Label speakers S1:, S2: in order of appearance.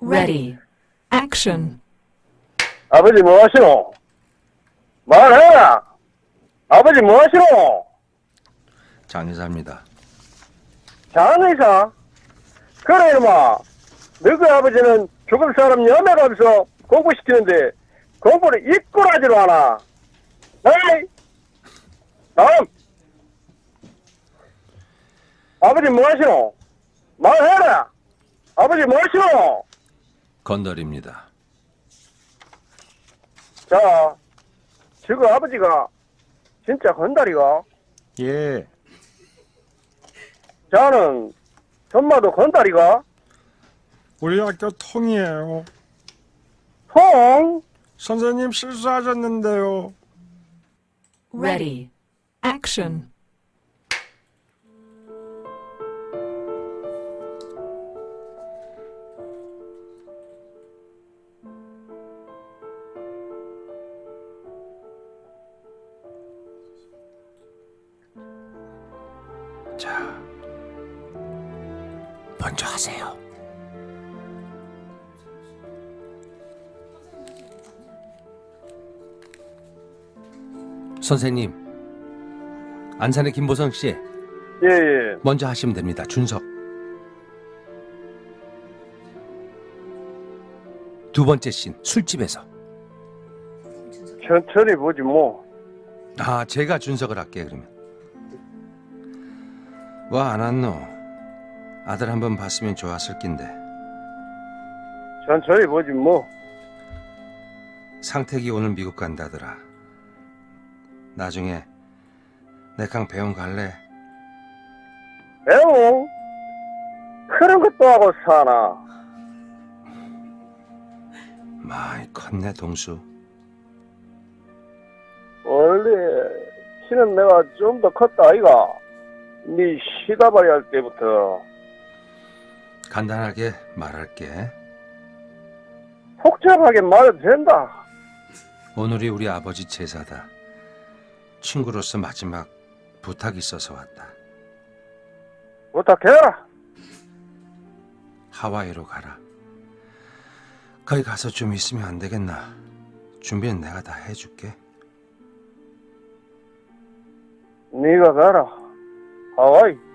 S1: Ready. Action.
S2: 아버지 뭐 하시노? 말해라! 아버지 뭐 하시노?
S3: 장의사입니다.
S2: 장의사? 그래 이놈아, 너희 아버지는 죽을 사람 연애가면서 공부시키는데 공부를 이끌어하지도 않아. 에이! 다음! 아버지 뭐 하시노? 말해라! 아버지 뭐 하시노?
S3: 건달입니다.
S2: 자, 지금 아버지가 진짜 건달이가?
S4: 예,
S2: 자는 전마도 건달이가?
S4: 우리 학교 통이에요.
S2: 통?
S4: 선생님 실수하셨는데요.
S1: Ready. Action.
S3: 자, 먼저 하세요. 선생님, 안산의 김보성 씨,
S2: 예, 예.
S3: 먼저 하시면 됩니다. 준석. 두 번째 씬, 술집에서.
S2: 천천히 보지 뭐.
S3: 아, 제가 준석을 할게요, 그러면. 와, 안 왔노? 아들 한번 봤으면 좋았을 낀데.
S2: 천천히 보지 뭐.
S3: 상택이 오늘 미국 간다더라. 나중에 내강 배움 갈래?
S2: 배웅? 그런 것도 하고 사나.
S3: 많이 컸네, 동수.
S2: 원래 키는 내가 좀 더 컸다 아이가. 네 시다발이 할 때부터.
S3: 간단하게 말할게.
S2: 복잡하게 말해도 된다.
S3: 오늘이 우리 아버지 제사다. 친구로서 마지막 부탁이 있어서 왔다.
S2: 부탁해라.
S3: 하와이로 가라. 거기 가서 좀 있으면 안 되겠나? 준비는 내가 다 해줄게.
S2: 네가 가라. 하와이.